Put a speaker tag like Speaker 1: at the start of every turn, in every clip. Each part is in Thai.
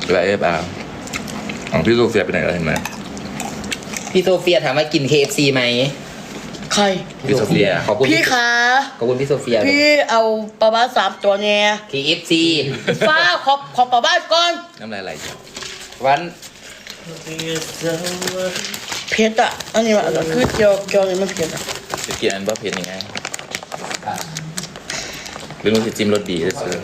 Speaker 1: แล้วของพี่โซเฟียไปไหนแล้วเห็นไหม
Speaker 2: พี่โซเฟียถามว่ากิน KFC ไหม
Speaker 3: ใคร
Speaker 1: พี่โซเฟีย
Speaker 2: ขอบคุณ
Speaker 3: พี่คะ
Speaker 2: ขอบคุณพี่โซเฟีย
Speaker 3: พี่เอาปลาบ้า3 ตัวเนี่ย
Speaker 2: KFC
Speaker 3: ฟ้าขอปลาบ้าก่อน
Speaker 1: น้ำลายไหล
Speaker 2: วัน
Speaker 3: เผ็ดอ่ะอันนี้มันคือเจียวนี่มันเผ็ดอ่ะ
Speaker 1: จะกินอันบ้าเผ็ดยังไงหรือมันจะจิ้มรสดีจะซื้อ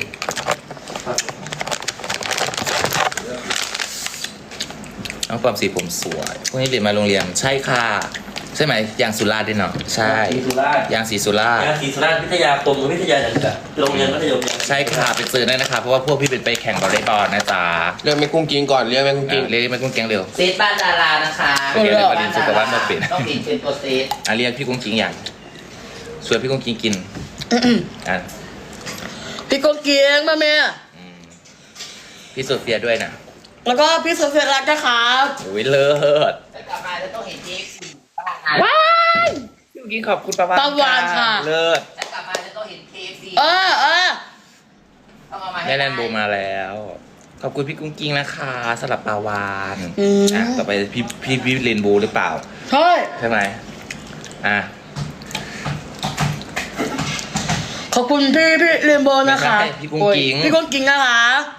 Speaker 1: น้องความสีผมสวยพวกนี้เรียนมาโรงเรียนใช่ค่ะใช่ไหมยางสุราษฎร์ด้วยเนาะใช่
Speaker 4: ศรีสุราษฎร์
Speaker 1: ยางศรีสุราษฎร์
Speaker 4: งานศรีสุราษฎร์วิทยาคมวิทยาอย่างเงี้ยโรงเรียนมัธยมเนี่ย
Speaker 1: ใช่ค่ะไปเจอได้นะคะเพราะว่าพวกพี่เป็นไปแข่งวอลเลย์บอลนะจ๊ะ
Speaker 5: เรื่องแม่กุ้งกินก่อนเรื่องแม่กุ้งกิน
Speaker 1: เรียกไม่กุ้งเกียงเร็ว
Speaker 2: เซตบ้านดารานะคะ
Speaker 1: เดี๋ยวประเด็นสุขภาพมาเปลี่ยน
Speaker 2: ต้องเป็นตัวเซต
Speaker 1: เรียกพี่กุ้งกิงอย่างชวนพี่กุ้งกิงกินอ่ะ
Speaker 3: พี่โกเกียงมาแม่
Speaker 1: พี่โซเฟียด้วยนะ
Speaker 3: แล้วก็พี่โซเฟียรักนะครับ
Speaker 1: โอ้ยเลิศ
Speaker 2: แต่กลับมาจะต้องเห็นเจ๊
Speaker 1: ว้ายพี่กุ้งกิงขอบคุณประวาน
Speaker 3: ปลาวานค่ะ
Speaker 1: เลิศ
Speaker 2: แต่กลับมาจะต้องเห็น KFC
Speaker 3: เออ
Speaker 2: ต้องเอามาให้
Speaker 1: แม่แลนโบมาแล้ว ขอบคุณพี่กุ้งกิงนะคะสำหรับปลาวาน
Speaker 3: ม
Speaker 1: ต่อไปพี่เรนโบหรือเปล่า
Speaker 3: ใช่
Speaker 1: ใช่ไหมอ่ะ
Speaker 3: ขอบคุณพี่เรนโบว์นะคะ
Speaker 1: ไม่ใช่พี่กุ้งกิ๊ง
Speaker 3: โอ้ยพี่กุ้งกิ้งนะคะ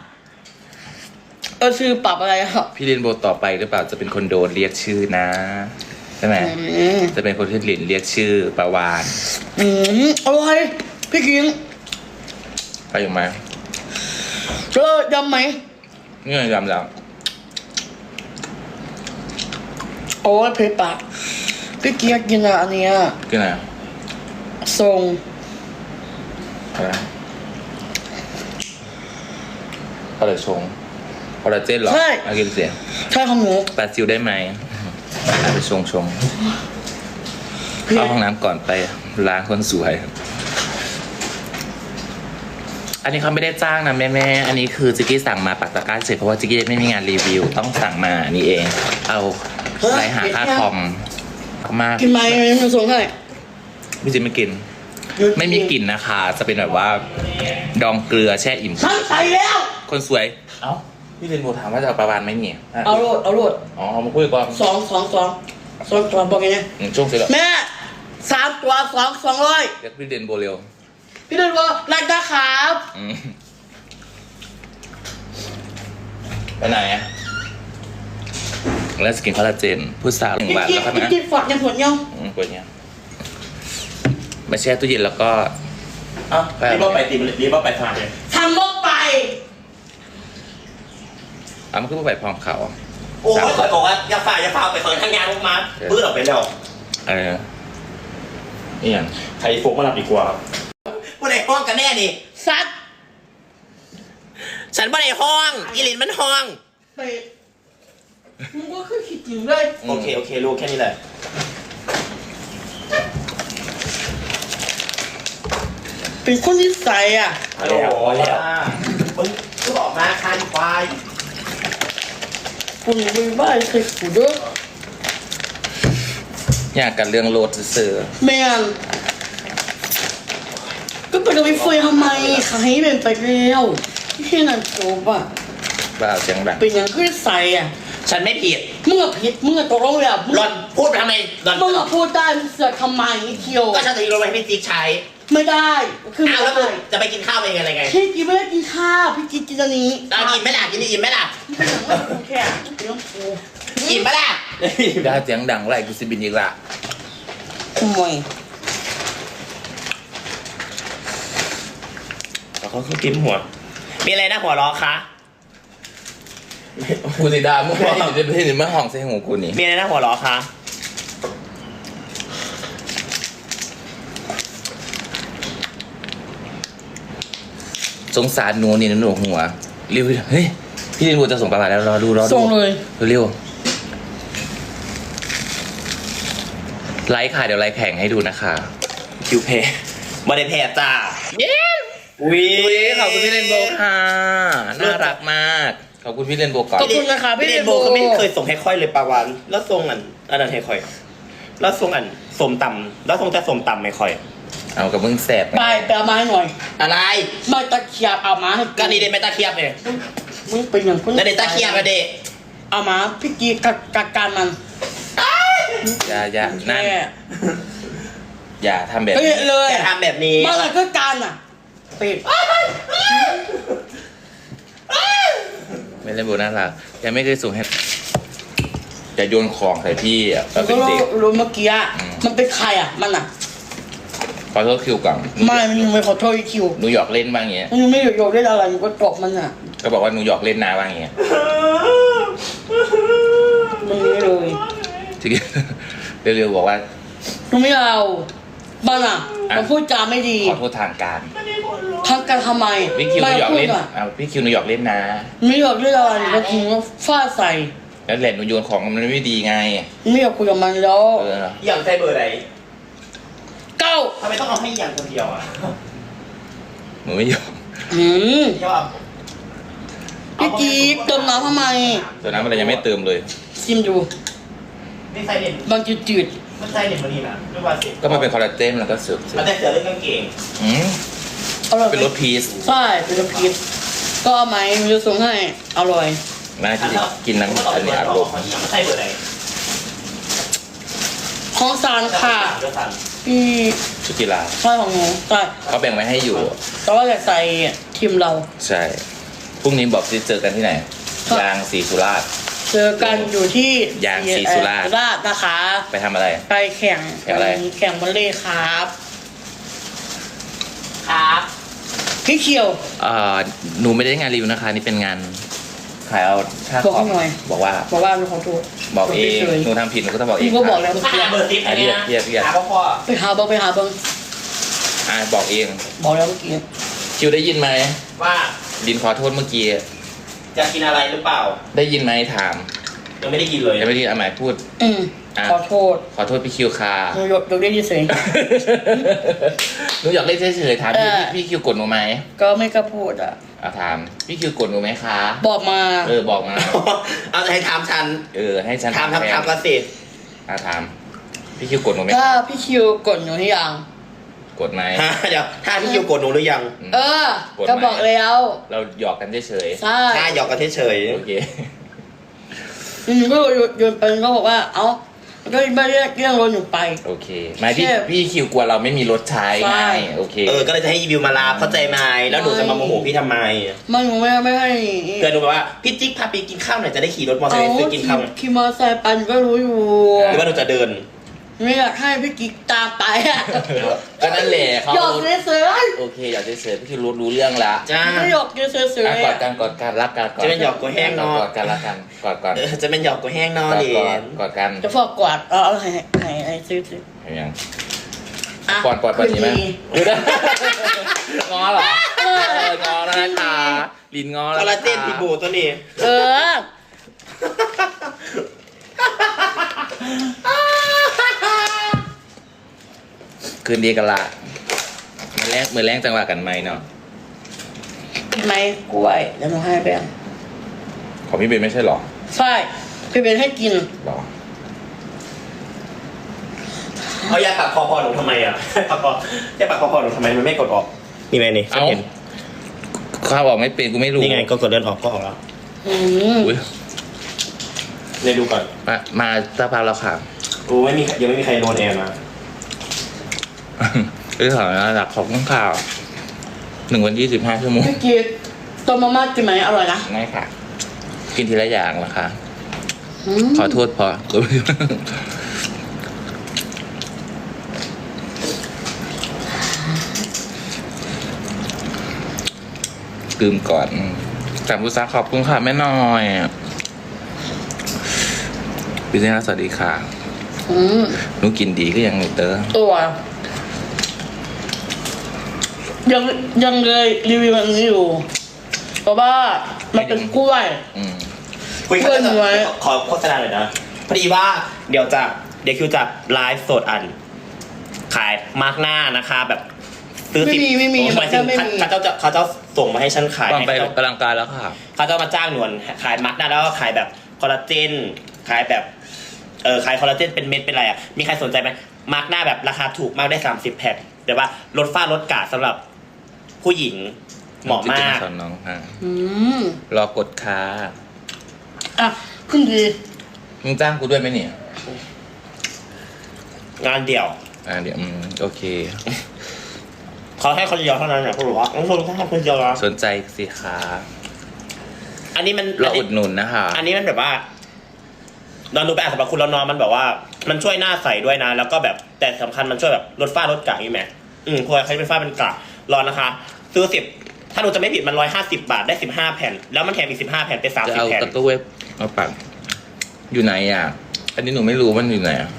Speaker 3: ชื่อปรับอะไรครับ
Speaker 1: พี่เรนโบต่อไปหรือเปล่าจะเป็นคนโดนเรียกชื่อนะใช่ไหมจะเป็นคนที่หลินเรียกชื่อปลาวาน
Speaker 3: อร่อยพี่กิ้ง
Speaker 1: ไปอยู่มา
Speaker 3: เจอยำไหม
Speaker 1: นี่ยำแล้ว
Speaker 3: โอ้ยเผ็ดปากพี่กิ้งอยากกินอันเนี้ย
Speaker 1: กินอะไร
Speaker 3: ทรง
Speaker 1: อะไรอะไรชงคอลลาเจนเหรอเอากินเสีย
Speaker 3: ใช่ของหนู
Speaker 1: ปลาซิวได้ไหมเอาไปชงเข้าห้องน้ำก่อนไปล้างคนสวย อันนี้เขาไม่ได้จ้างนะแม่อันนี้คือจิกกี้สั่งมาปักตะกร้าเฉยเพราะว่าจิกกี้ไม่มีงานรีวิวต้องสั่งมานี่เอง เอาไรหาค่าคอมมาก
Speaker 3: กินไหมมันส่งให้
Speaker 1: พี่จิไม่กิน ไม่มีกลิ่นนะคะ จะเป็นแบบว่า ดองเกลือแช่อิ่ม
Speaker 3: ฉันใส่แล้ว
Speaker 1: คนสวย เอ้าพี่เรนโบถามว่าจะเอาปลาวานไหมเนี่ย
Speaker 3: เอาโรด
Speaker 1: อ๋อมาคุยก่อน
Speaker 3: สองตัวบอกไงเนี่ย
Speaker 1: ช่วงเสร็จแล้ว
Speaker 3: แม่3 ตัว200
Speaker 1: เรียกพี่เรนโบเร็ว
Speaker 3: พี่เรนโบว์รักนะครับ
Speaker 1: อืมไปไหนอะแล้วสกินคอลลาเจนพูดสาว1 บาทแล้วครับนะ
Speaker 3: กินฝักยังหัวเงี้ยว
Speaker 1: กดเนี้ยมาแช่ตู้เย็นแล้วก็
Speaker 4: เอ้ารีบว่าไปตีมันรีบว่าไปทานเลย
Speaker 3: ทำลงไป
Speaker 1: เอามันขึ้นมาใบพร้อมเขาอ่ะ
Speaker 4: โอ้ยคอยบอกว่าอย่าฝ่าไปเปิดทางงานลงมาปื้ดออกไปแล้ว
Speaker 1: นี่อย่าง
Speaker 4: ใครโฟกมาหลับดีกว่าผู้ใดห้องกันแน่นี่
Speaker 3: ซัด
Speaker 4: ฉันไม่ได้ห้องอีลินมันห้อง
Speaker 3: ไปมึงก็คือคิดถึงเลย
Speaker 4: โอเครู้แค่นี้แหละ
Speaker 3: เป็นคนที่ใส่อ่ะ
Speaker 4: ฮัลโหลมึงก็บอกมาคานควาย
Speaker 3: คุณไปบ้านใส่กูเด้อ
Speaker 1: อยากกันเรื่องโลดซื้อ
Speaker 3: แม่งก็ไปกับพี่เฟยทำไมขายให้เป็นไปแล้วที่แค่นั้นจบอ่ะ
Speaker 1: บ้าเสียงดัง
Speaker 3: เป็นอย่างคือใส่อ่ะ
Speaker 4: ฉันไม่ผิด
Speaker 3: มึงอะผิดมึงอะตกลงแล้ว
Speaker 4: หล่อนพูดไปทำไมหล่อน
Speaker 3: มึงอะพูดได้มึงเสือกทำไมเที่ยว
Speaker 4: ก็ฉันจะลงไปให้พี่จิ๊กใช้
Speaker 3: ไม่ได้คือ
Speaker 4: อ้าว
Speaker 3: ไม่
Speaker 4: แล้วมึ
Speaker 3: ได้
Speaker 4: งจะไปกินข้าวเป็นอะไรไง
Speaker 3: พี่กินไม่ได้กินข้าวพี่กินอันนี้
Speaker 4: กินไหมล่ะกินอิ่มไหมล่ะ
Speaker 3: แค่เดี๋ยวกู
Speaker 4: อิ่มไหมล่ะ
Speaker 1: บ้าเสียงดังไรกูสิบินอีกละ
Speaker 3: ขโมย
Speaker 4: เขากินหัว มีอะไรนะหัวล้อคะ
Speaker 1: กูสิดามึงว่าอยู่ในประเทศนี้มาห้องใส่หูกูนี่
Speaker 4: มีอะไรนะหัวล้อคะ
Speaker 1: สงสารหนูนี่หนูหัวเร็วเฮ้ยพี่เรนโบจะส่งปลาวานแล้วรอดู
Speaker 3: ส่งเลย
Speaker 1: เร็วไลค์ค่ะเดี๋ยวไลค์แข่งให้ดูนะคะ
Speaker 4: คิวเพย์มาได้แพ้จ้า
Speaker 1: เย้
Speaker 4: อุ้ย
Speaker 1: ขอบคุณพี่เรนโบค่ะน่ารักมากขอบคุณพี่เรนโบก่อน
Speaker 3: ขอบคุณนะคะพี่
Speaker 4: พี่
Speaker 3: เร
Speaker 4: เร
Speaker 3: น
Speaker 4: น
Speaker 3: โบ
Speaker 4: โบเขาไม่เคยส่งให้ค่อยเลยปลาวานแล้วส่งอันนั้นให้ค่อย แล้วส่งสมตำแล้วส่งแต่สมตำไม่ค่อย
Speaker 1: เอากับมึงแสบ
Speaker 3: ไปเอามาให้หน่อย
Speaker 4: อะไร
Speaker 3: มาตะเคียบเอามาให้
Speaker 4: ก็นี่เดนไม่ตาเทียบเลย
Speaker 3: มึงเป็นอย่างคน
Speaker 4: แล้วเดต้าเคลียร์มาเดะ
Speaker 3: เอามาพี่กีกัดการมัน
Speaker 1: อย่านั่นอย่าทำแบบ
Speaker 3: เฮ้ย
Speaker 1: นี้
Speaker 3: เลย
Speaker 4: อย่าทำแบบนี้
Speaker 3: มาอะไรก็การอ่ะเป็ด
Speaker 1: ไม่เล่นโบน่ารักยังไม่เคยส่งให้จะโยนของใส่พี่อ่ะต
Speaker 3: มั
Speaker 1: อน
Speaker 3: น
Speaker 1: เป็
Speaker 3: ก็
Speaker 1: นเด็ก
Speaker 3: รู้เมื่อกี้อ่ะมันเป็นใครอ่ะมันอ่ะ
Speaker 1: ขอโทษคิวก่อน
Speaker 3: ไม่มันยังไม่ขอโทษอีคิว
Speaker 1: หนูหยอกเล่นบ้างเงี้ย
Speaker 3: มันยังไม่หยกได้อะไรมันก็ตบมันอ่ะ
Speaker 1: ก็บอกว่าหนูหยอกเล่นนาบ้างเงี้ย
Speaker 3: มันไม่เลย
Speaker 1: จริงเร็วๆบอกว่า
Speaker 3: หนูไม่เอาบ้านอ่ะ
Speaker 1: อ่ะ
Speaker 3: มันพูดจาไม่ดี
Speaker 1: ขอโทษทางการ
Speaker 3: ทักกันทำไม
Speaker 1: พี่คิวหนูหยอกเล่น
Speaker 3: ไม่พูดอ่ะ
Speaker 1: เอาพี่คิวหนูหยอกเล่นนะ
Speaker 3: ไม่หยอกได้อะไรก็ถึงฟาดใส่
Speaker 1: แล้วแหละหนูโยนของมันไม่ดีไง
Speaker 3: ไม่อยากคุยกับมันแล้ว
Speaker 1: เออ
Speaker 4: อย่างใจเบอร์ไหน
Speaker 3: เก้า
Speaker 4: ทำไมต้องเอาให้อย่างคนเดียวอ่ะ
Speaker 1: หนูไม่ยอม
Speaker 3: อืม
Speaker 4: เที่ยวอ่ะ
Speaker 3: พี่กี๊เติมน้ำทำไม
Speaker 1: ตัวนั้นมันยังไม่เติมเลย
Speaker 3: ชิมดู
Speaker 4: นี่ใส่เด่น
Speaker 3: บางจืด
Speaker 4: มันใส่เด่นมานี่นะไม่ว่าสิ
Speaker 1: ก็มันเป็นคอลลาเจนแล้วก็เสือก
Speaker 4: มันแต่เสือเรื่องกางเกง
Speaker 3: ๆอร่อย
Speaker 1: เป็นรสพีช
Speaker 3: ใช่เป็นรสพีชก็เอาไหมมันจะส่งให้อร่อย
Speaker 1: น่าจะกินน้ำอันนี้อารมณ์
Speaker 4: มันใส่เบอร์ไหน
Speaker 3: ของซานค่ะ
Speaker 4: เบอร์สั่น
Speaker 3: พี่
Speaker 1: ชุดกีฬา
Speaker 3: ใช่ของหนูใช่
Speaker 1: เขาแบ่งไว้ให้อยู่
Speaker 3: แต่ว่าอยากใส่ทีมเรา
Speaker 1: ใช่พรุ่งนี้บอกจะเจอกันที่ไหน
Speaker 3: ครับ
Speaker 1: ยางศรีสุราษฎร์
Speaker 3: เจอกันอยู่ที่
Speaker 1: ยางศรีสุราษฎร์
Speaker 3: สุราษฎร์นะคะ
Speaker 1: ไปทำอะไร
Speaker 3: ไปแข่ง
Speaker 1: แข่งอะไร
Speaker 3: แข่งวอลเลย์ครับ
Speaker 2: ครับ
Speaker 3: พี่เขียว
Speaker 1: หนูไม่ได้งานรีวิวนะคะ นี่เป็นงานขายเอาค่า
Speaker 3: บอก
Speaker 1: คอ
Speaker 3: ให้
Speaker 1: ม
Speaker 3: หน่อย
Speaker 1: บอกว่า
Speaker 3: บอกว่าเป็นของถูก
Speaker 1: บอกเอง
Speaker 3: ฉย
Speaker 1: หนูทำผิดหนูก็ต้องบอกเอง
Speaker 3: พี่ก็บอกแล้วเมื่อ
Speaker 4: ถ้า
Speaker 3: กี้
Speaker 4: หาเบอร์ติ๊บอันนี้นะ
Speaker 1: เรียก
Speaker 4: หาพ่อ
Speaker 3: ไปหาเบิ้ง
Speaker 1: บอกเอง
Speaker 3: บอกแล้วเมื่อกี้
Speaker 1: คิวได้ยินไหม
Speaker 4: ว่า
Speaker 1: ลินขอโทษเมื่อกี้
Speaker 4: จะกินอะไรหรือเปล่า
Speaker 1: ได้ยินไหมถาม
Speaker 4: ยังไม่ได้กินเลย
Speaker 1: ยังไม่ได้ยินอาหมายพูด
Speaker 3: อืม
Speaker 1: อ่ะ
Speaker 3: ขอโทษ
Speaker 1: ขอโทษพี่คิวค่ะ
Speaker 3: หนูยกได้ยินเสียง
Speaker 1: หนูอยากเล่นเฉยๆถามพี่
Speaker 3: เออ
Speaker 1: พี่คิวกดหนูไหม
Speaker 3: ก็ไม่กล้าพูดอ่ะ
Speaker 1: ถามพี่คิวกดหนูไหมคะ
Speaker 3: บอกมา
Speaker 1: บอกมา
Speaker 4: เอาจะให้ถามฉัน
Speaker 1: ให้ฉัน
Speaker 4: ถาม
Speaker 1: แทน
Speaker 4: กันสิ
Speaker 1: ถามพี่คิวกดหนูไหม
Speaker 3: ถ้าพี่คิวกดหนูให้ยัง
Speaker 1: กดไหม
Speaker 4: ฮะเดี๋ยวถ้าพี่คิวกดหนูหรือยัง
Speaker 3: เออ
Speaker 1: กดไหม
Speaker 3: ก็บอกแล้ว
Speaker 1: เราหยอกกันเฉย
Speaker 3: ใช่
Speaker 4: ถ้าหยอกกันเฉย
Speaker 1: ๆโอเค
Speaker 3: หนูก็โยนไปก็บอกว่า เอ้าก็ไม่เรียกรถหนูไป
Speaker 1: โอเคไม่พี่
Speaker 3: แค่
Speaker 1: พี่คิวกลัวเราไม่มีรถใช้
Speaker 3: ใช่
Speaker 1: ไงโอเค
Speaker 4: ก็เลยจะให้อีวิวมาลาเข้าใจไหมแล้วหนูจะมาโมโหพี่ทำไม
Speaker 3: มันหนูไม่ให้
Speaker 4: เกิดหนูแบบว่าพี่จิ๊กพาไปกินข้าวหน่อยจะได้ขี่รถมอเตอร์ไซค์ซื้อกินข้าว
Speaker 3: ขี่มอเตอร์ไซค์ไปหนูก็รู้อยู่
Speaker 4: หรือว่าหนูจะเดิน
Speaker 3: ไม่อยากให้พี่กิ๊กตามไปอ่ะ
Speaker 1: ก็นั่นแหละเขา
Speaker 3: หยอกเฉย
Speaker 1: โอเคอยากเฉยๆพี่คิวรู้เรื่องละ
Speaker 4: จ้า
Speaker 3: ๆไม่หยอกเฉย
Speaker 1: กอดกันรักกัน
Speaker 4: จะเป็นหยอกกูแห้งเนอะ
Speaker 1: กอดกันรักกันกอดก่อน
Speaker 4: จะเป็นหยอกกูแห้งนอน
Speaker 1: กอด
Speaker 4: ดิ
Speaker 1: กอดกัน
Speaker 3: จะฟอกกวาดเอาให้ซื้อ
Speaker 1: เห็นยัง
Speaker 3: อ่ะ
Speaker 1: กอดแบบนี้ไหม
Speaker 3: คืดี
Speaker 1: ดูได้งอเหรองอแล้วนะคะลินงอ
Speaker 4: ค
Speaker 1: แล้
Speaker 4: อ
Speaker 1: ว
Speaker 4: ลลาเจนติบูตัวนี้
Speaker 3: เออ
Speaker 1: คืนดีกันละมือแรงจังหวะกันไหมเนาะ
Speaker 3: ไม่กล้วยเดี๋ยวหนูให้แบง
Speaker 1: ของพี่เบนไม่ใช่หรอ
Speaker 3: ใช่พี่เป็นให้กิน
Speaker 1: หรอ
Speaker 4: เอายาปักคอหนูทำไมอ่ะปักคอยาปักคอหนูทำไมมันไม่กดออกนี่ไงนี่ฉันเห็น
Speaker 1: ข้าวบอกไม่เป็นกูไม่รู้
Speaker 4: นี่ไงก็กดเดินออกก็ออกแล้ว
Speaker 3: อืม
Speaker 1: อุ๊ย
Speaker 4: เนี่ยดูก่อน
Speaker 1: มาสักพักแล้วค่ะ
Speaker 4: กูยังไม่มีใครโดนแอร์มา
Speaker 1: เรื่องของระดับของข่าว1 วัน 25 ชั่วโมง
Speaker 3: พี่กิ๊กต้มมาม่ากินไหมอร่อยนะ
Speaker 1: ง่ายค่ะ กินทีละอย่างนะคะ
Speaker 3: ม
Speaker 1: ขอโทษพอ ลืมก่อนจำผู้ซักขอบคุณค่ะแม่น้อยพี่เจ้าสวัสดีค่ะ
Speaker 3: อืม
Speaker 1: หนูกินดีก็ยังหนูเตอ
Speaker 3: ตัวยังเลยรีวิวอันนี้อยู่เพราะว่ามันเป็นกล้วย
Speaker 1: อืม
Speaker 4: คุย
Speaker 3: เพื่อนหนูไว้
Speaker 4: ขอโฆษณาหน่อยนะพอดีว่าเดี๋ยวคิวจะไลฟ์สดอัน ขายมาร์กหน้านะคะแบบซื้อ
Speaker 3: ไม่มี
Speaker 4: หมายถึง
Speaker 3: ไม่มี
Speaker 4: เขาจะส่งมาให้ฉันขาย
Speaker 1: ก่อนไป
Speaker 4: ให้
Speaker 1: กำลังกายแล้วค่ะ
Speaker 4: เขาจะมาจ้างหนวนขายมาร์กหน้าแล้วก็ขายแบบคอลลาเจนขายแบบขายคอลลาเจนเป็นเม็ดเป็นอะไรอ่ะมีใครสนใจไหมมาร์กหน้าแบบราคาถูกมากได้30 แพ็คแต่ว่าลดฝ้าลดกระสำหรับผู้หญิงเหมาะมาก
Speaker 1: สอนน้องค่ะ
Speaker 3: อืม
Speaker 1: รอกดค้า
Speaker 3: อ่ะขึ้นดี
Speaker 1: มึงจ้างกูด้วยไหมเนี่ย
Speaker 4: งานเดี่ยว
Speaker 1: เดี๋ยวโอเค
Speaker 4: เขาให้คนเดียวเท่านั้นนะเขาบอกว่าต้องคนให้คนเดียวนะ
Speaker 1: สนใจสิคะ
Speaker 4: อันนี้มัน
Speaker 1: เราอุดหนุนนะคะ
Speaker 4: อันนี้มันแบบว่า นอนดูไปอ่านสรรพคุณแล้วนอนมันแบบว่า มันช่วยหน้าใสด้วยนะ แล้วก็แบบแต่สำคัญมันช่วยแบบลดฝ้าลดกระนี่ไหมพวกใครเป็นฝ้าเป็นกระรอนนะคะ ซื้อ10ถ้าหนูจะไม่ผิดมัน150 บาทได้15 แผ่น แล้วมันแถมอีก15 แผ่นเป็น
Speaker 1: จะเอา
Speaker 4: 30 แผ่น
Speaker 1: ตะกั่วเว็บมาปักอยู่ไหนอ่ะ อันนี้หนูไม่รู้มันอยู่ไหนอะ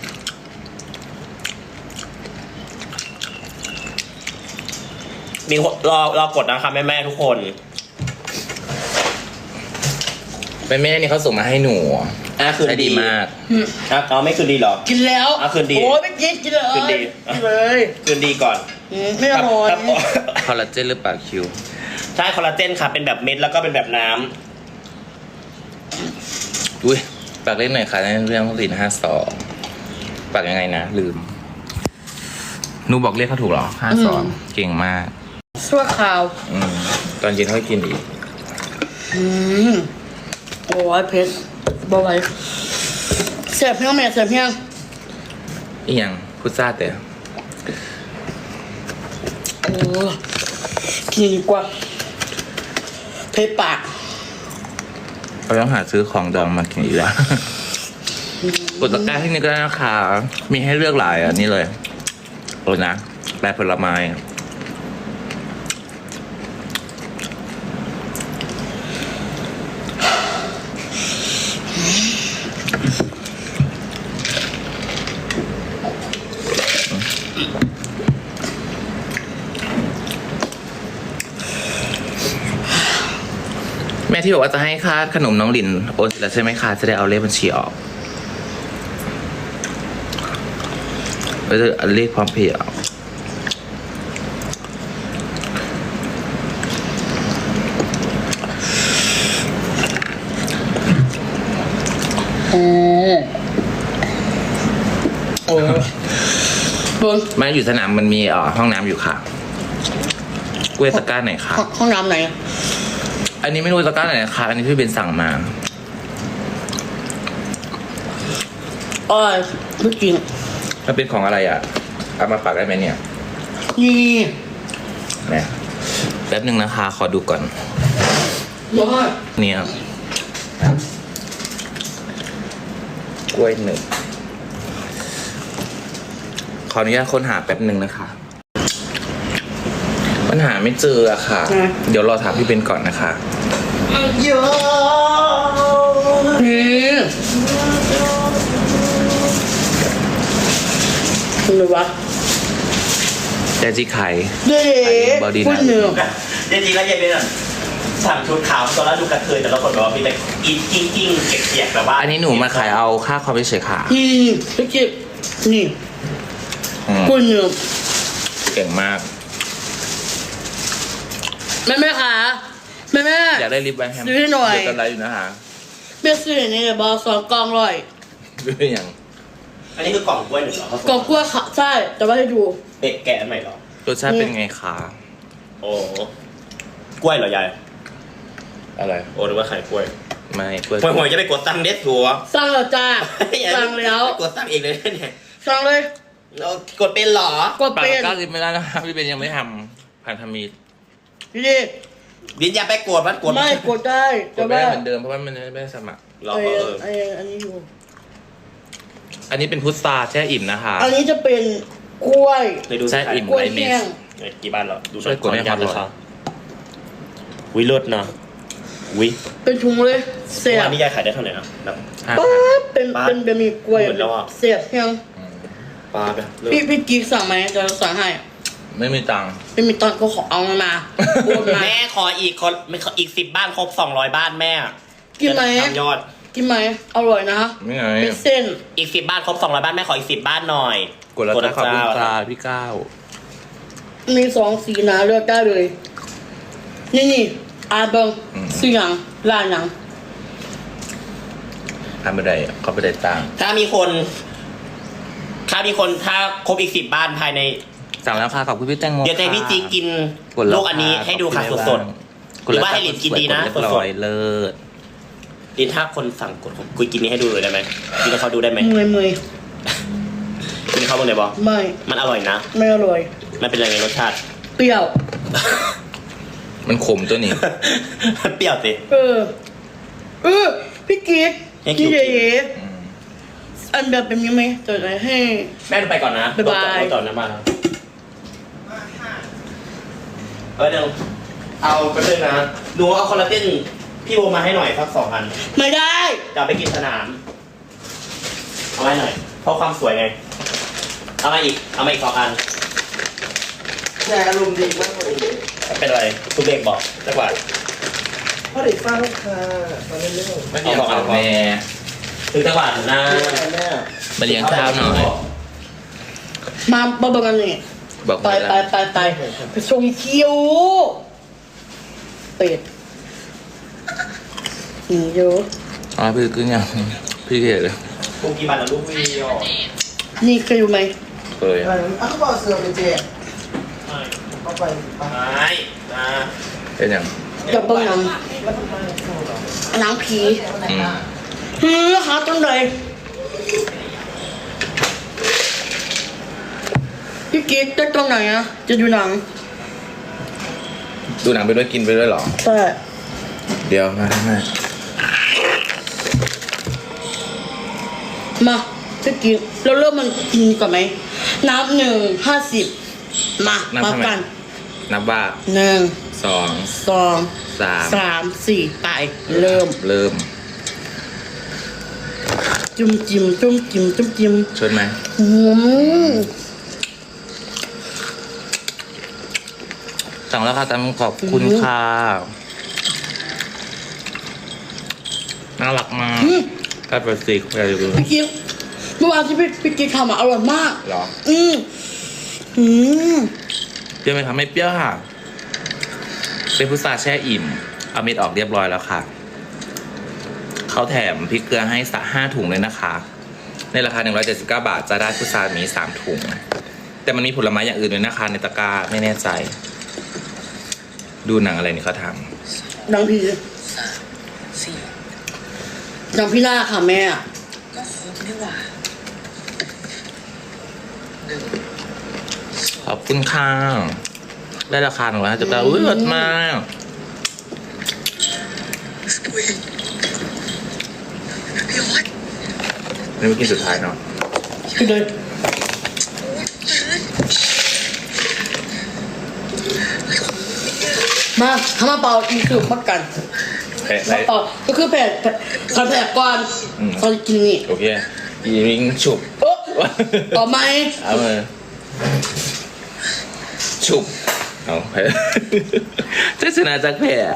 Speaker 4: มีรอกดนะคะแม่ๆทุกคน
Speaker 1: แม่นี่เขาส่งมาให้หนู
Speaker 4: คืน
Speaker 1: ได้
Speaker 4: ดี
Speaker 1: ดีมาก
Speaker 4: เอาไม่คืนดีเหรอ
Speaker 3: กินแล้ว
Speaker 4: อ่ะคืนดี
Speaker 3: โอ้ยไม่กินเลย
Speaker 4: คืนดี
Speaker 3: กินเลย
Speaker 4: คืนดีก่อน
Speaker 3: ไม่อร่อย
Speaker 4: ครับ
Speaker 1: คอลลาเจนหรือเปล่าคิว
Speaker 4: ใช่คอลลาเจนค่ะเป็นแบบเม็ดแล้วก็เป็นแบบน้ำ
Speaker 1: อุ้ยปากเล่นหน่อยค่ะในเรื่อง452ปากยังไงนะ ลืมหนูบอกเรียกเขาถูกเหรอ52เก่งมาก
Speaker 3: ชั่วคราว
Speaker 1: ตอนเย็นเขาให้กินอีก
Speaker 3: โอ้ยเพชรบ่ไหวเสียบเพียงแม่เสียบเพียง
Speaker 1: อีกอย่างพุทราแต่
Speaker 3: โอ้กินดีกว่าเพชรปาก
Speaker 1: เราต้องหาซื้อของดองมากินอีกแล้ว กดตะกร้าที่นี่ก็ได้นะคะมีให้เลือกหลายอันนี้เลยโอ้นะแปรผลไม้แม่ที่บอกว่าจะให้ค่าขนมน้องหลินโอนเสร็จแล้วใช่ไหมคะจะได้เอาเลขบัญชีออกก็จะเลขพร้อมเพย์ออก
Speaker 3: โอ้บน
Speaker 1: มาอยู่สนามมันมีห้องน้ำอยู่ค่ะกล้วยตะกร้าไหนคะ
Speaker 3: ห้องน้ำไหน
Speaker 1: อันนี้ไม่รู้ตะกร้าไหนนะคะอันนี้พี่เบนสั่งมา
Speaker 3: อ้อยไม่กิน
Speaker 1: มันเป็นของอะไรอ่ะเอามาปักได้ไหมเนี่ย
Speaker 3: นี่
Speaker 1: เนี่ยแป๊บหนึ่งนะคะขอดูก่อน
Speaker 3: ร้อย
Speaker 1: เนี่ยกล้วยหนึ่งขออนุญาตค้นหาแป๊บหนึ่งนะคะปัญหาไม่เจออะค่ะ เดี๋ยวรอถามพี่เบนก่อนนะคะ
Speaker 4: เยอะ
Speaker 3: นี่คุณรู้ปะ
Speaker 1: แต่จีไข่
Speaker 3: เด็ก
Speaker 1: บอดี้นะ
Speaker 3: พูดหนึ่ง
Speaker 4: จริงๆแล้วเย็นเป็นสั่งชุดขาวตอนแรกดูกระเทยแต่ละคนบอกว่ามีแต่กิ้งเกียกๆแบบว่า
Speaker 1: อันนี้หนูมาขายเอาค่าความเฉยๆค่ะ
Speaker 3: นี่พี่กิ๊บนี่
Speaker 1: อืม
Speaker 3: พูดหนึ่ง
Speaker 1: เก่งมาก
Speaker 3: แม่ค่ะแม่
Speaker 1: อยากได้ลิปแบนแฮม
Speaker 3: ซื้อให้หน่อย
Speaker 1: เดี๋ยวกันไลฟ์อยู่นะคะ
Speaker 3: แม่ซื้อนี่บอสองกล่องร้อย
Speaker 1: ด้วยอย่าง
Speaker 4: อันนี้คือกล่องกล้วยหนึ่งเหรอก
Speaker 3: ล่องกล้วยค่ะใช่แต่ว่าให้ดู
Speaker 4: เด็กแกะอันใหม่เหรอ
Speaker 1: รสชาติเป็นไงคะ
Speaker 4: โอ้กล้วยเหรอยาย
Speaker 1: อะไร
Speaker 4: โอ้หรือว่าไข่กล้วย
Speaker 1: ไม่กล้วย
Speaker 4: หวยจะไปกดตังค์เด็ดหัว
Speaker 3: สั่งแล้วจ้าสั่งแล้ว
Speaker 4: กดตังค์เองเลยเนี่ย
Speaker 3: สั่งเลย
Speaker 4: เรากดเป็นเหรอ
Speaker 3: กด
Speaker 1: ปาก
Speaker 3: เป็น
Speaker 1: กาลิปไม่ได้นะคะพี่เบนยังไม่ทำพันธมิตร
Speaker 3: นี่
Speaker 4: ดินอย่าไปกดมันกด
Speaker 3: ไม่กดได้
Speaker 1: ก
Speaker 3: แต่
Speaker 1: ดไม่
Speaker 3: ว่า
Speaker 1: ได้เหมือนเดิมเพราะว่ามันไม่ได้สมัคร
Speaker 4: รอ
Speaker 3: อันนี้อยู่
Speaker 1: อันนี้เป็นพุทราแช่อิ่มนะคะ
Speaker 3: อันนี้จะเป็นกล้วย
Speaker 4: เคยดู
Speaker 1: ใช่อิ่ม
Speaker 3: กล้วย
Speaker 1: ไรเม
Speaker 3: แห้
Speaker 1: ส
Speaker 3: ง
Speaker 4: กี่บ้านเหรอดู
Speaker 1: ช่วยกดให้ความร้อน
Speaker 4: วิเลิศนะวิ
Speaker 3: เป็นถุงเลยเสีย
Speaker 4: วั
Speaker 3: บ
Speaker 4: นนี้ยายขายได้เท่าไหร่นะแบบ
Speaker 3: ป๊าบเป็นบะหมี่กล้วย
Speaker 4: หมดแล้วอะ
Speaker 3: เสียบแห้ง
Speaker 4: ปลาไปเลิศ
Speaker 3: พี่กิ๊กสั่งไหมจะสั่งให้
Speaker 1: ไม่มีตังค์
Speaker 3: ไม่มีตอนก็ขอเอามาโอนมา
Speaker 4: แม่ขออีกอีก10 บ้านครบ200 บ้านแม่
Speaker 3: กินไหม
Speaker 4: จะทำยอด
Speaker 3: กินไหมอร่อยนะ
Speaker 1: ไม่ไง
Speaker 3: เป็นเส้น
Speaker 4: อีก10 บ้านครบ200 บ้านแม่ขออีก10 บ้านหน่อย
Speaker 1: กดแล้วจะขอบคุณ
Speaker 4: เจ้า
Speaker 1: ตาพี่ก้าว
Speaker 3: มี2 สีนะเลือกได้เลย นี่อาเบิงสีหยังลายหยัง
Speaker 1: ทำไม่ได้เขาไม่ได้ตังค์
Speaker 4: ถ้าครบอีก10 บ้านภายใน
Speaker 1: สั่งแล้วค่ะขอบคุณพี่แตงโม
Speaker 4: เดี๋ยวจะให้พี่จีกิน
Speaker 1: กดแล้ว
Speaker 4: ลูกอันนี้ให้ดูค่ะสด หรือว่าให้หลินกินดีนะ
Speaker 1: เรียบร้อยเลิศ
Speaker 4: ๆดินถ้าคนสั่งกดผมคุยกินนี้ให้ดูเลยได้ไหมกินให้เขาดูได้ไหม
Speaker 3: เมย
Speaker 4: กินให้เขาบ้างเลยบอ
Speaker 3: ไม่
Speaker 4: มันอร่อยนะ
Speaker 3: ไม่อร่อย
Speaker 4: มันเป็นยังไงรสชาติ
Speaker 3: เปรี้ยว
Speaker 1: มันขมตัวนี้
Speaker 4: เปรี้ยวสิ
Speaker 3: พี่กิ๊ก
Speaker 4: ให้คิว
Speaker 3: พี่เอ๋อันแบบเป็นยังไงจะไหนให้
Speaker 4: แม่ไปก่อนนะ
Speaker 3: บ๊ายบาย
Speaker 4: รถจอดนะมาเดี๋ยวเอาไปเลยนะดูเอาคอลลาเจนพี่โบมาให้หน่อยสัก2 อัน
Speaker 3: ไม่ได้
Speaker 4: จะเอาไปกินสนาม เอาไว้หน่อย เพราะความสวยไง เอามาอีก 2 อัน
Speaker 6: แชร์อารมณ์ดีมากเลย
Speaker 4: เป็นอะไรคุณเบกบอกจักบาท
Speaker 6: พ่อเด็กฟ้าลูกค้าตอนนี้เรื่อง
Speaker 1: ไม่เลี้ยงข้าวแม่
Speaker 4: ถึงจักบาทนะ
Speaker 6: แม่
Speaker 1: มาเลี้ยงข้าวหน่อย
Speaker 3: มาบอกกันนี่
Speaker 1: บอก
Speaker 3: ไป
Speaker 1: ไม่
Speaker 3: ไป
Speaker 1: ได้
Speaker 3: ไปส่งคิวเป็ดเยอะ
Speaker 1: อ๋อพี่กึ่งยังพี่เกดเลย
Speaker 4: กูกี่บาทแล้วลูกวีอ่ะ
Speaker 3: นี่เคยอยู่ไหม
Speaker 1: เคย
Speaker 6: อะไรอ่ะเขาบอกเสือไปเจ๊เข้าไปปะ
Speaker 4: ไม่นะ
Speaker 1: เป็นยัง
Speaker 3: จะเบิ้งหนัง
Speaker 6: แล้วทำไมเข้าหรอ
Speaker 3: หนังผี
Speaker 1: อืม
Speaker 3: หาต้นใดพี่กิ๊กจะตรงไหนอะจะดูหนัง
Speaker 1: ดูหนังไปด้วยกินไปด้วยเหรอ
Speaker 3: ใช่
Speaker 1: เดี๋ยวมาให้
Speaker 3: มาพี่กิ๊กเราเริ่มมันกินก่อนไหมนับ1 50มามากัน
Speaker 1: นับว่า
Speaker 3: 1
Speaker 1: 2
Speaker 3: 2
Speaker 1: 3
Speaker 3: 3 4ไปเริ่ม
Speaker 1: เริ่ม
Speaker 3: จุ่มจิ้มจุ่มจิ้มจุ่มจิ้ม
Speaker 1: ชวนไหม
Speaker 3: อืม
Speaker 1: สั่งแล้วค่ะตามขอบคุณค่ะน่ารักมากกัดเบอร์ซิกอะไรอยู่
Speaker 3: พี่กิ๊กเมื่อวานที่พี่กิ๊กทำอ่ะอร่อยมาก
Speaker 1: หรอ
Speaker 3: อืม
Speaker 1: เปรี้ยวไหมคะไม่เปรี้ยวค่ะ เป็นพุทราแช่อิ่ม เอาเม็ดออกเรียบร้อยแล้วค่ะ เขาแถมพริกเกลือให้5 ถุงเลยนะคะ ในราคา179 บาทจะได้พุทรามี3 ถุง แต่มันมีผลไม้อย่างอื่นด้วยนะคะในตะกร้าไม่แน่ใจ ดูหนังอะไรนี่เขาท
Speaker 3: ดังพี่ดังพี่หน้าค่ะแม่
Speaker 7: ก็ครบนี่หว่า
Speaker 1: ำขอบคุณค่ะได้ราคา159อุ้ยเลิศมาก
Speaker 7: อุ้ยพี่ออส
Speaker 1: นี่ไม่กินสุดท้ายเนาะ
Speaker 3: พี่เลยมาทำมาเปล่าอีกคือพักกัน
Speaker 1: แพ้
Speaker 3: มาเปล่าก็คือแผ่ขอแผ่ก่อนเขาจะกินนี่
Speaker 1: โอเคอีริงฉุบ
Speaker 3: โอ๊ะต่อไหม
Speaker 1: เอามาฉุบเอาแพ้ จะชนะจากแพ้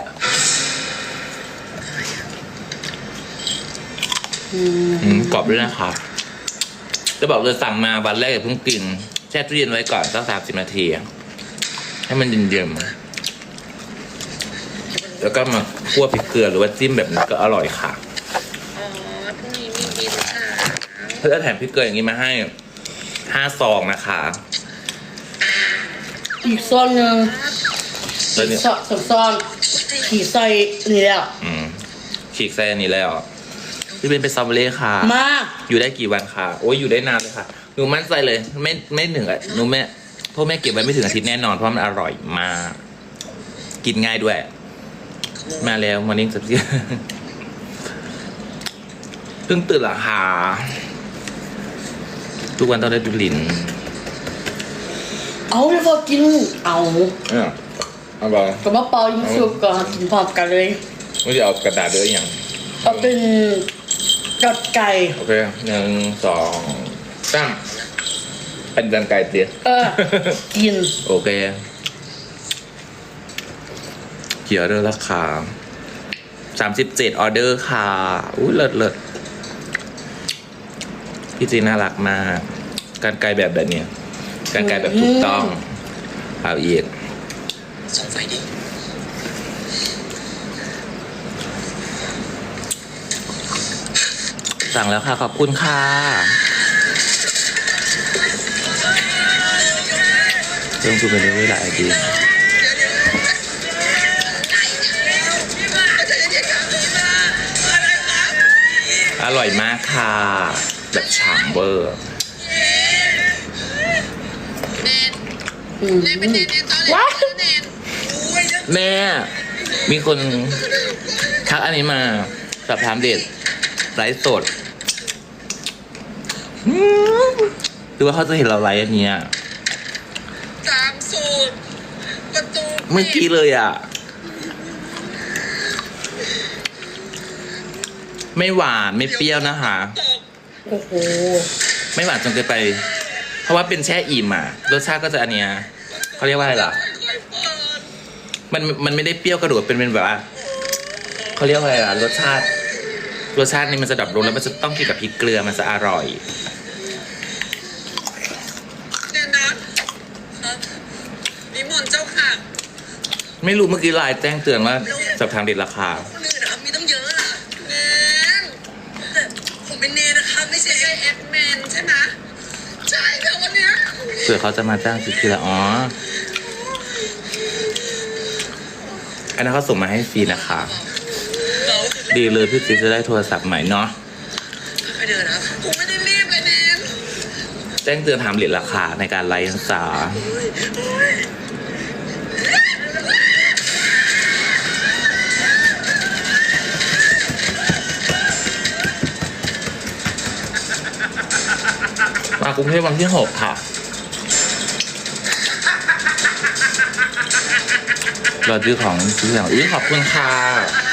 Speaker 1: กรอบด้วยนะคะจะบอกเลยสั่งมาวันแรกอย่าเพิ่งกินแช่ตู้เย็นไว้ก่อนสัก30 นาที ให้มันเย็นๆแล้วก็มาคั่วพริกเกลือหรือว่าจิ้มแบบนี้ก็อร่อยค่ะ
Speaker 7: อ๋อพรุ่งนี้มีบินค่ะ
Speaker 1: เพื่อแถมพริกเกลืออย่างนี้มาให้5 ซองนะคะ
Speaker 3: อีกซองหนึ่ง
Speaker 1: แล้วเนี่ย
Speaker 3: ซองขี่ใส่นี่แล้ว
Speaker 1: ฉีกไส้อันนี้แล้วพี่เป็นสตรอเบอรี่ค่ะ
Speaker 3: มา
Speaker 1: อยู่ได้กี่วันคะโอ้ยอยู่ได้นานเลยค่ะหนูมั่นใจเลยไม่ถึงอ่ะหนูแม่พ่อแม่เก็บไว้ไม่ถึงอาทิตย์แน่นอนเพราะมันอร่อยมาก กินง่ายด้วย มาแล้วมอร์นิ่งสับเสียเพิ่งตื่นละค่ะทุกวันต้องได้ดูลิ้น
Speaker 3: เอาเดี๋ยวพอกินเอา
Speaker 1: เอาบอก
Speaker 3: กับมะเปายิงสุกก่อนกินพร้อมกันเลย
Speaker 1: ไม่จะเอากระดาษด้วยอย่าง
Speaker 3: เอาเป็นกัดไก่
Speaker 1: โอเค1 2 3เป็นดันไก่เตี้ย
Speaker 3: กิน
Speaker 1: โอเคเกี่ยวเรื่องราคา37 ออเดอร์ค่ะอุ้ยเลิศพี่จีน่ารักมาก การไกลแบบเนี้ยการไกลแบบถูกต้องเอาอีก
Speaker 7: ส่งไฟดิ
Speaker 1: สั่งแล้วค่ะ ขอบคุณค่ะรื่องซูมไปเรื่อยๆหลายทีอร่อยมากค่ะแบบฉ่ำเวอร์
Speaker 3: ว้าว
Speaker 1: แม่ มีคนทักอันนี้มาสอบถามเด็ดไลฟ์สดหรือว่าเขาจะเห็นเราไลฟ์อันเนี้ย
Speaker 7: ตามสูตรประตู
Speaker 1: เมื่อกี้เลยอ่ะ ไม่หวานไม่เปรี้ยวนะคะ
Speaker 3: โอ้โห
Speaker 1: ไม่หวานจนเกินไป เพราะว่าเป็นแช่อิ่มอ่ะรสชาติก็จะอันเนี้ยเขาเรียกว่าอะไรล่ะ มันไม่ได้เปรี้ยวกระโดดเป็นแบบว่าเขาเรียกว่าอะไรล่ะรสชาตินี่มันจะดับลงแล้วมันจะต้องกินกับพริกเกลือมันจะอร่อย
Speaker 7: เดี๋ยวนะนิมนต์เจ้าค่ะ
Speaker 1: ไม่รู้เมื่อกี้ไลน์แจ้งเตือนว่าสอบถามเด็ดราคา
Speaker 7: คนอื่นนะครับมีต้องเยอะอะแนนแต่ผมเป็นเนนนะคะไม่ใช่เอ็กแมนใช่ไหมใช่ค่ะวันเนี้ย
Speaker 1: เผื่อเขาจะมาจ้างพริกเกลืออ๋ออันนั้นเขาส่งมาให้ฟรีนะคะ
Speaker 7: เรา
Speaker 1: ดีเลยพี่จิ๊จะได้โทรศัพท์ใหม่เนาะ
Speaker 7: ไปเดินนะผมไม่ได้รีบเลยแนน
Speaker 1: แจ้งเตือนถามเหรียญราคาในการไลฟ์ศึกษามากรุงเทพวันที่ 6 ค่ะ รอซื้อของขอบคุณค่ะ